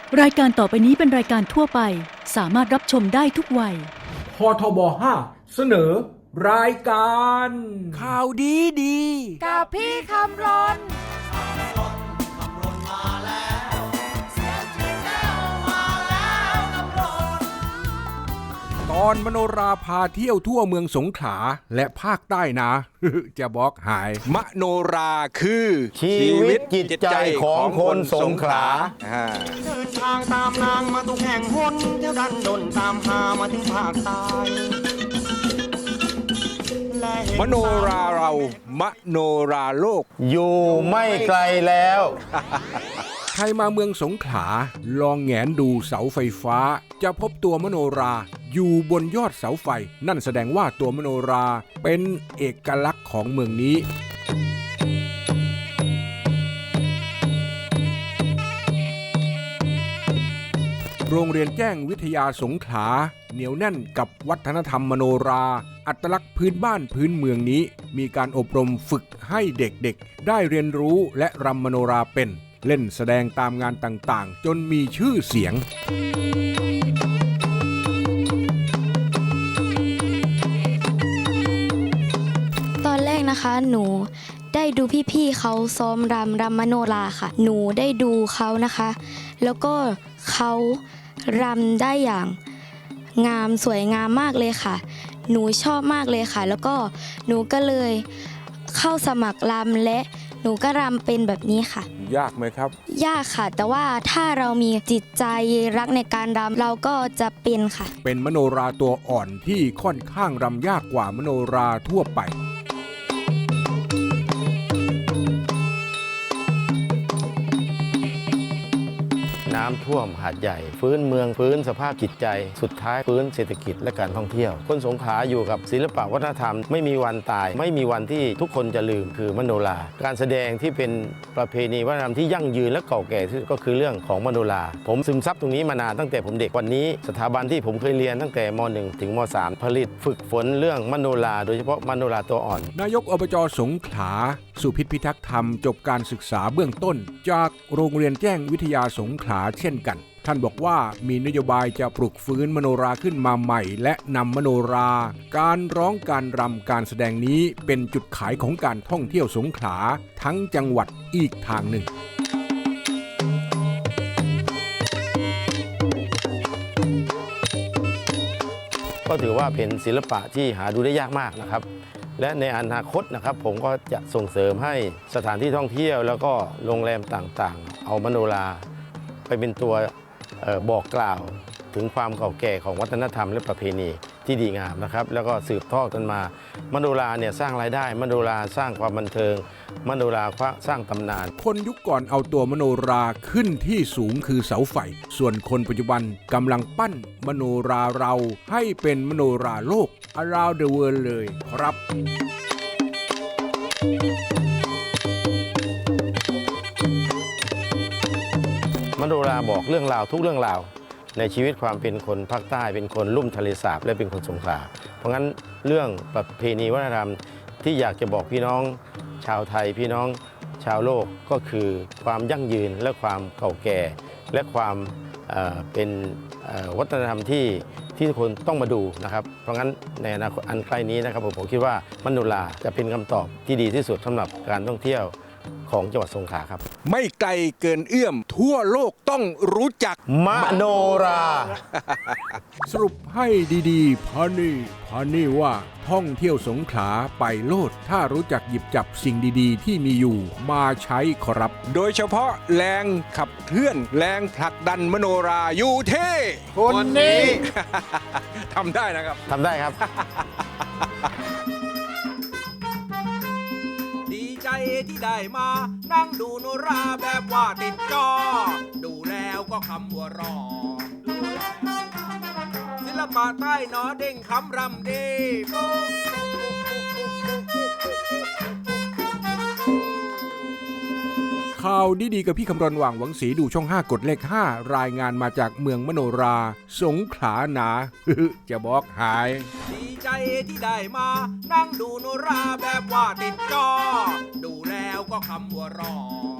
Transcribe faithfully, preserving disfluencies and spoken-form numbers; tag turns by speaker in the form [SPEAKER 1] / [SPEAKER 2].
[SPEAKER 1] รายการต่อไปนี้เป็นรายการทั่วไปสามารถรับชมได้ทุกวัย
[SPEAKER 2] พทบห้าเสนอรายการ
[SPEAKER 3] ข่าวดีดี
[SPEAKER 4] กับพี่คำรน
[SPEAKER 3] ตอนมโนราพาเที่ยวทั่วเมืองสงขลาและภาคใต้นะ จะบอกหายมโนราคือ
[SPEAKER 5] ชีวิตจิตใจของคนสงขลา
[SPEAKER 6] เดินทางตามนางมาทุกแห่งหนเที่ยวดันดนตามหามาถึงภาคใต้
[SPEAKER 3] มโนราเรามโนราโลก
[SPEAKER 5] อยู่ไม่ไกลแล้ว
[SPEAKER 3] ใครมาเมืองสงขลาลองแงนดูเสาไฟฟ้าจะพบตัวมโนราอยู่บนยอดเสาไฟนั่นแสดงว่าตัวมโนราเป็นเอกลักษณ์ของเมืองนี้โรงเรียนแจ้งวิทยาสงขลาเหนียวแน่นกับวัฒนธรรมมโนราอัตลักษณ์พื้นบ้านพื้นเมืองนี้มีการอบรมฝึกให้เด็กๆได้เรียนรู้และรำมโนราเป็นเล่นแสดงตามงานต่างๆจนมีชื่อเสียง
[SPEAKER 7] ตอนแรกนะคะหนูได้ดูพี่ๆเขาซ้อมรำรำมโนราค่ะหนูได้ดูเขานะคะแล้วก็เขารำได้อย่างงามสวยงามมากเลยค่ะหนูชอบมากเลยค่ะแล้วก็หนูก็เลยเข้าสมัครรำและหนูก็รำเป็นแบบนี้ค่ะ
[SPEAKER 3] ยากไหมครับ
[SPEAKER 7] ยากค่ะแต่ว่าถ้าเรามีจิตใจรักในการรำเราก็จะเป็นค่ะ
[SPEAKER 3] เป็นมโนราตัวอ่อนที่ค่อนข้างรำยากกว่ามโนราทั่วไป
[SPEAKER 5] น้ำท่วมหาดใหญ่ฟื้นเมืองฟื้นสภาพจิตใจสุดท้ายฟื้นเศรษฐกิจและการท่องเที่ยวคนสงขลาอยู่กับศิลปะวัฒนธรรมไม่มีวันตายไม่มีวันที่ทุกคนจะลืมคือมโนราการแสดงที่เป็นประเพณีวัฒนธรรมที่ยั่งยืนและเก่าแก่ที่ก็คือเรื่องของมโนราผมซึมซับตรงนี้มานานตั้งแต่ผมเด็กวันนี้สถาบันที่ผมเคยเรียนตั้งแต่ม หนึ่ง ถึงม สาม ผลิตฝึกฝนเรื่องมโนราโดยเฉพาะมโนราตัวอ่อน
[SPEAKER 3] นายกอบจ.สงขลาสุพิษพิทักษ์ธรรมจบการศึกษาเบื้องต้นจากโรงเรียนแจ้งวิทยาสงขลาเช่นกันท่านบอกว่ามีนโยบายจะปลุกฟื้นมโนราขึ้นมาใหม่และนำมโนราการร้องการรำการแสดงนี้เป็นจุดขายของการท่องเที่ยวสงขลาทั้งจังหวัดอีกทางหนึ่ง
[SPEAKER 5] ก็ถือว่าเป็นศิลปะที่หาดูได้ยากมากนะครับและในอนาคตนะครับผมก็จะส่งเสริมให้สถานที่ท่องเที่ยวแล้วก็โรงแรมต่างๆเอามโนราไปเป็นตัวบอกกล่าวถึงความเก่าแก่ของวัฒนธรรมและประเพณีที่ดีงามนะครับแล้วก็สืบทอดกันมามโนราเนี่ยสร้างรายได้มโนราสร้างความบันเทิงมโนราสร้างตำนาน
[SPEAKER 3] คนยุคก่อนเอาตัวมโนราขึ้นที่สูงคือเสาไฟส่วนคนปัจจุบันกำลังปั้นมโนราเราให้เป็นมโนราโลก around the world เลยครับ
[SPEAKER 5] มโนราบอกเรื่องราวทุกเรื่องราวในชีวิตความเป็นคนภาคใต้เป็นคนลุ่มทะเลสาบและเป็นคนสงขลาเพราะงั้นเรื่องประเพณีวัฒนธรรมที่อยากจะบอกพี่น้องชาวไทยพี่น้องชาวโลกก็คือความยั่งยืนและความเก่าแก่และความเอ่อเป็นเอ่อวัฒนธรรมที่ที่ทุกคนต้องมาดูนะครับเพราะงั้นในอนาคตอันใกล้นี้นะครับผมผมคิดว่ามโนราจะเป็นคำตอบที่ดีที่สุดสำหรับการท่องเที่ยวของจังหวัดสงขลาครับ
[SPEAKER 3] ไม่ไกลเกินเอื้อมทั่วโลกต้องรู้จัก
[SPEAKER 5] มโนรา
[SPEAKER 3] สรุปให้ดีๆพานี่พานี่ว่าท่องเที่ยวสงขลาไปโลดถ้ารู้จักหยิบจับสิ่งดีๆที่มีอยู่มาใช้ครับโดยเฉพาะแรงขับเคลื่อนแรงผลักดันมโนราอยู่เท่
[SPEAKER 5] คนนี้
[SPEAKER 3] ทำได้นะครับ
[SPEAKER 5] ทำได้ครับ
[SPEAKER 8] ที่ได้มานั่งดูโนราแบบว่าติดจอดูแล้วก็คำว่ารอศิลปะใต้หนอเด้งคำรำดี
[SPEAKER 3] ข่าวดีๆกับพี่คำรณ หว่างหวังศรีดูช่องห้ากดเลขห้ารายงานมาจากเมืองมโนราสงขลาหนา จะบอกหาย
[SPEAKER 8] ดีใจที่ได้มานั่งดูโนราแบบว่าติดจอดูแล้วก็คำว่ารอ